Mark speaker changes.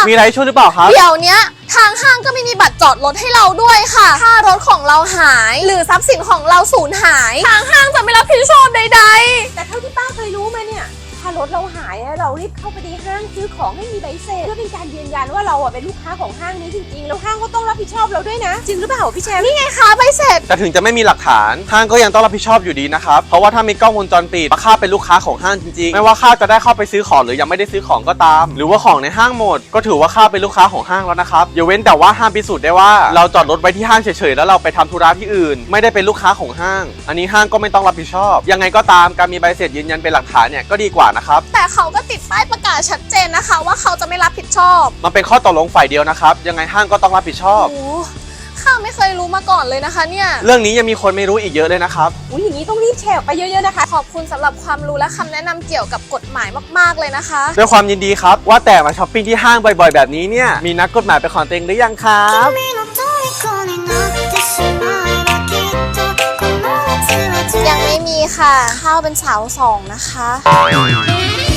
Speaker 1: มีอะไรช่วยหรือเปล่าครับ
Speaker 2: เดี๋ยวนี้ทางห้างก็ไม่มีบัตรจอดรถให้เราด้วยค่ะถ้ารถของเราหายหรือทรัพย์สินของเราสูญหายทางห้างจะไม่รับผิดชอบใดๆ
Speaker 3: แต่เท่าที่ป้าเคยรู้มาเนี่ยถ้ารถเราหายเรารีบเข้าไปในห้างซื้อของให้มีใบเสร็จเพื่อเป็นการยืนยันว่าเราเป็นลูกค้าของห้างนี้จริงๆแล้วห้างก็ต้องรับผิดชอบเราด้วยนะจริงหรือเปล่าพี่แชมป์
Speaker 2: นี่ไงคะใบเสร็จ
Speaker 1: แต่ถึงจะไม่มีหลักฐานห้างก็ยังต้องรับผิดชอบอยู่ดีนะครับเพราะว่าถ้ามีกล้องวงจรปิดข้าเป็นลูกค้าของห้างจริงๆไม่ว่าข้าจะได้เข้าไปซื้อของหรือยังไม่ได้ซื้อของก็ตามหรือว่าของในห้างหมดก็ถือว่าข้าเป็นลูกค้าของห้างแล้วนะครับอย่าเว้นแต่ว่าห้ามพิสูจน์ได้ว่าเราจอดรถไว้ที่ห้างเฉยๆแล้วเราไปทำธุระที่อื่นไม่ได้เป็นลูกค้าของห้างอันนี้ห้างก็ไม่ต้องรับผิดชอบยังไงก็ตามการมีใบเสร็จยืนยันเป็นหลักฐานเนี่ยก็ดีกว่านะครับ
Speaker 2: แต่เขาก็ติดป้ายประกาศชัดเจนนะคะว่าเขาจะไม่รับผิดชอบ
Speaker 1: มันเป็นข้อตกลงฝ่ายเดียวนะครับยังไงห้างก็ต้องรับผิดชอบ
Speaker 2: โอ้ข้าไม่เคยรู้มาก่อนเลยนะคะเนี่ย
Speaker 1: เรื่องนี้ยังมีคนไม่รู้อีกเยอะเลยนะครับ
Speaker 3: อย่างนี้ต้องรีบแชร์ออกไปเยอะๆนะคะ
Speaker 2: ขอบคุณสำหรับความรู้และคำแนะนำเกี่ยวกับกฎหมายมากๆเลยนะคะ
Speaker 1: ด้วยความยินดีครับว่าแต่มาช้อปปิ้งที่ห้างบ่อยๆแบบนี้เนี่ยมีนักกฎหมายเป็นของตัวเองหรือยังครับ
Speaker 2: ยังไม่มีค่ะข้าวเป็นสาวสองนะคะ